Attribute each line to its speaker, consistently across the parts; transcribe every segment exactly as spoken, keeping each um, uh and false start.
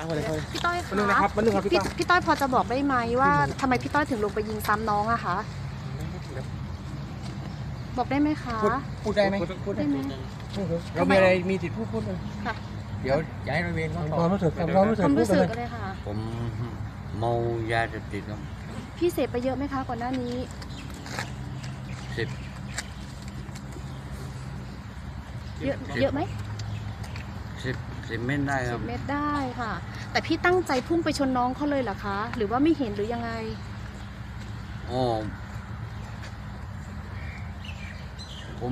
Speaker 1: พี่ต้อย
Speaker 2: มาหนึ่งนะครับมาหนึ่งครับพี่
Speaker 1: พี่
Speaker 2: ต้อย
Speaker 1: พี่ต้อยพอจะบอกได้ไหมว่าทำไมพี่ต้อยถึงลงไปยิงซ้ำน้องอะคะบอกได้ไหมคะ
Speaker 2: พูดได้ไหม
Speaker 1: พูดได้ไหม
Speaker 2: เรามีอะไรมีติดพูดพูดเลย
Speaker 1: ค่ะ
Speaker 2: เดี๋ยวย้ายระเวนเขา
Speaker 3: ความรู้สึกความรู้สึก
Speaker 1: ความ
Speaker 3: พูด
Speaker 1: รู้
Speaker 3: กั
Speaker 1: สึ
Speaker 3: น
Speaker 1: ก
Speaker 3: เลย
Speaker 1: เลยค่ะ
Speaker 4: ผมเมายาเสพติดครับ
Speaker 1: พี่เสพไปเยอะไหมคะก่อนหน้านี้
Speaker 4: สิบ
Speaker 1: เยอะเยอะไหม
Speaker 4: สิบสิบเม็ดได้ค
Speaker 1: สิ
Speaker 4: รั
Speaker 1: บบ เมตรได้ค่ะ แต่พี่ตั้งใจพุ่งไปชนน้องเขาเลยเหรอคะ หรือว่าไม่เห็นหรือยังไง
Speaker 4: โอ้ผม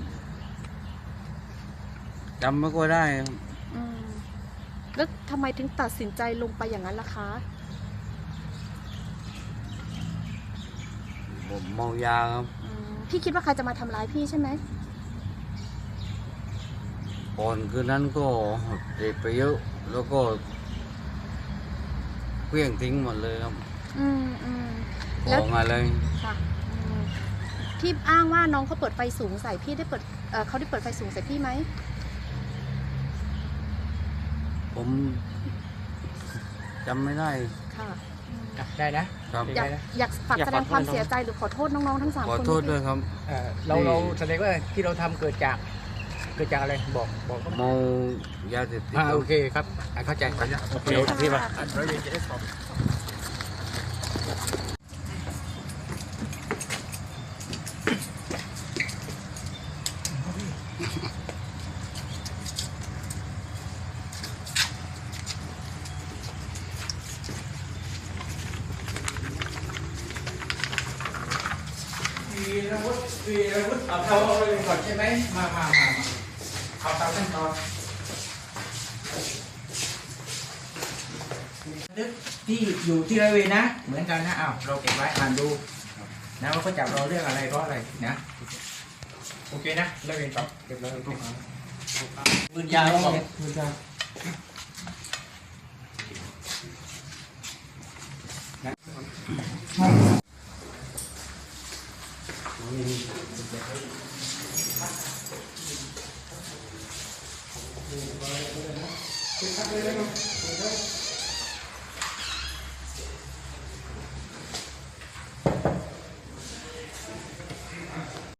Speaker 4: จำไม่ค่อยได้ครับ
Speaker 1: อืมแล้วทำไมถึงตัดสินใจลงไปอย่างนั้นล่ะคะ
Speaker 4: ผมเมายาครับ
Speaker 1: อืมพี่คิดว่าใครจะมาทำร้ายพี่ใช่ไหม
Speaker 4: ก่อนคืนนั้นก็เสพไปเยอะ แล้วก็เคลื่องทิ้งหมดเลยครับ
Speaker 1: อืมอืม
Speaker 4: ข
Speaker 1: แล้ว
Speaker 4: องอะไร
Speaker 1: ค่ะอืมที่อ้างว่าน้องเขาเปิดไฟสูงใส่พี่ได้เปิดเอ่อเขาได้เปิดไฟสูงใส่พี่ไหม
Speaker 4: ผมจำไม่ได้
Speaker 1: ค่ะอืม
Speaker 2: ได้นะครับ
Speaker 1: อยาก
Speaker 2: ได้นะ
Speaker 1: อยากฝาก
Speaker 2: อยาก
Speaker 1: แสดง
Speaker 2: ขอโทษ
Speaker 1: ความ
Speaker 2: น้อง
Speaker 1: เสียใจหรือขอโทษน้องๆทั้งสาม
Speaker 4: ขอ
Speaker 1: คน
Speaker 4: โทษ
Speaker 1: ที่
Speaker 4: ด้วยครับ
Speaker 2: เอ่อเราเราแสดงว่าที่เราทำเกิดจากเกิดจากอะไรบอกบอกเขา
Speaker 4: เมายาเสพติด
Speaker 2: อ่า
Speaker 4: ครั
Speaker 2: โอบ เคครับอ่ะเข้าใจ
Speaker 1: โอเคพี่มา
Speaker 2: ร้อยเวรจะได้สอบ วีรวุฒิวีรวุฒิเอาเท้าเลยก่อนใช่ไหมมามามามาเอาตามขั้นตอนนึกที่อยู่ที่ร้อยเวรนะ เหมือนกันนะอ้าวเราเก็บไว้อ่านดูนะว่าเขาจับเราเรื่องอะไรเพราะอะไรนะโอเคนะร้อยเวรต่อเก็บร้อยเวรปืนยาว
Speaker 3: มือจา
Speaker 2: เ